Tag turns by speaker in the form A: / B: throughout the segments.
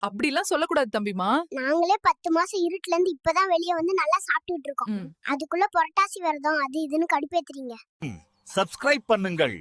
A: அப்படிலாம் சொல்லக்கூடாது தம்பிமா.
B: நாங்களே 10 மாசம் இருட்டுல இருந்து இப்பதான் வெளிய வந்து நல்லா சாப்பிட்டுட்டு இருக்கோம்.
A: ம்.
B: அதுக்குள்ள புரட்டாசி விரதம் அது இதுன்னு கடுப்பேத்துறீங்க.
C: சப்ஸ்கிரைப் பண்ணுங்கள்.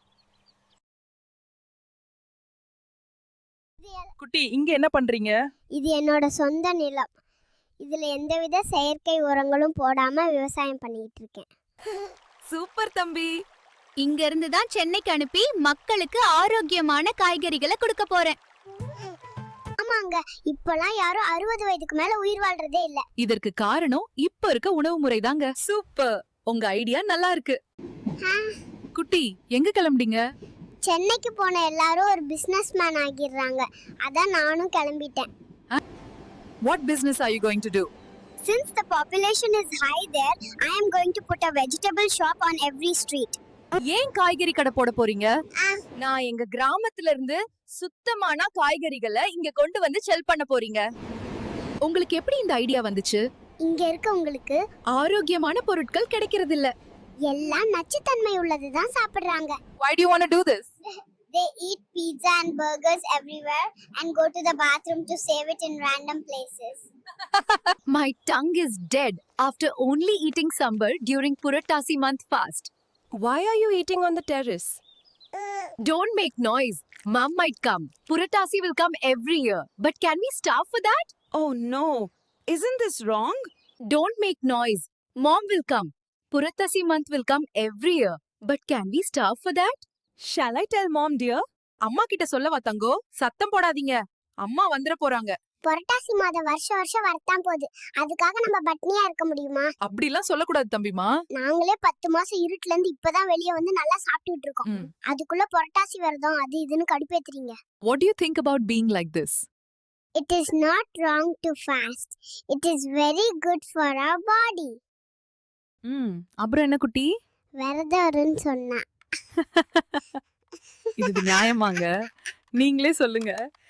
A: குட்டி இங்க என்ன பண்றீங்க?
B: இது என்னோட சொந்த நிலம். இதுல எந்தவித செயற்கை உரங்களும் போடாம விவசாயம் பண்ணிட்டு இருக்கேன்.
D: சூப்பர் தம்பி.
E: இங்க இருந்து தான் சென்னைக்கு அனுப்பி மக்களுக்கு ஆரோக்கியமான காய்கறிகளை கொடுக்க போறேன்.
B: ஆமாங்க, இப்பலாம் யாரும் 60 வயதுக்கு மேல உயிர் வாழ்றதே இல்ல.
D: இதற்கு காரணம் இப்ப இருக்க உணவு முறைதாங்க.
A: சூப்பர்.
D: உங்க ஐடியா நல்லா இருக்கு. குட்டி எங்க கிளம்பிட்டீங்க?
B: சென்னைக்கு போன எல்லாரும் ஒரு பிசினஸ் மேன் ஆகிடுறாங்க. அதான் நானும் கிளம்பிட்டேன்.
D: What business are you going to do?
B: Since the population is high there, I am going to put a vegetable shop on every street.
D: ஏன் காய்கறி கடை போட போறீங்க? நான் எங்க கிராமத்துல இருந்து சுத்தமான காய்கறிகளை இங்க கொண்டு வந்து செல் பண்ண போறீங்க. உங்களுக்கு எப்படி இந்த ஐடியா வந்துச்சு?
B: இங்க இருக்கவங்களுக்கு
D: ஆரோக்கியமான பொருட்கள் கிடைக்கிறது இல்ல.
B: எல்லாம் நச்சுத்தன்மை உள்ளதுதான் சாப்பிடுறாங்க.
D: Why do you want to do this?
B: They eat pizza and burgers everywhere and go to the bathroom to save it in random places.
D: My tongue is dead after only eating sambar during Puratasi month fast.
F: Why are you eating on the terrace?
D: Don't make noise. Mom might come. Puratasi will come every year. But can we starve for that?
F: Oh no. Isn't this wrong?
D: Don't make noise. Mom will come. Puratasi month will come every year. But can we starve for that?
F: Shall I tell mom, dear?
A: அம்மா கிட்ட சொல்லவா தங்கோ? சத்தம் போடாதீங்க. அம்மா வந்துற போறாங்க.
B: புரட்டாசி மாதம் வருஷம் வரத்தான் போகுது. அதுக்காக நம்ம பட்னியா இருக்க முடியுமா?
A: அப்படிலாம் சொல்லக்கூடாது தம்பிமா.
B: நாங்களே 10 மாசம் இருட்டுல இருந்து இப்பதான் வெளிய வந்து நல்லா சாப்பிட்டுட்டு இருக்கோம்.
A: ம்.
B: அதுக்குள்ள புரட்டாசி விரதம் அது இதுன்னு கடுப்பேத்துறீங்க.
D: What do you think about being like this?
B: It is not wrong to fast. It is very good for our body.
D: அப்புறம் என்ன குட்டி?
B: விரதம்னு சொன்னா
A: இது நியாயமாங்க? நீங்களே சொல்லுங்க.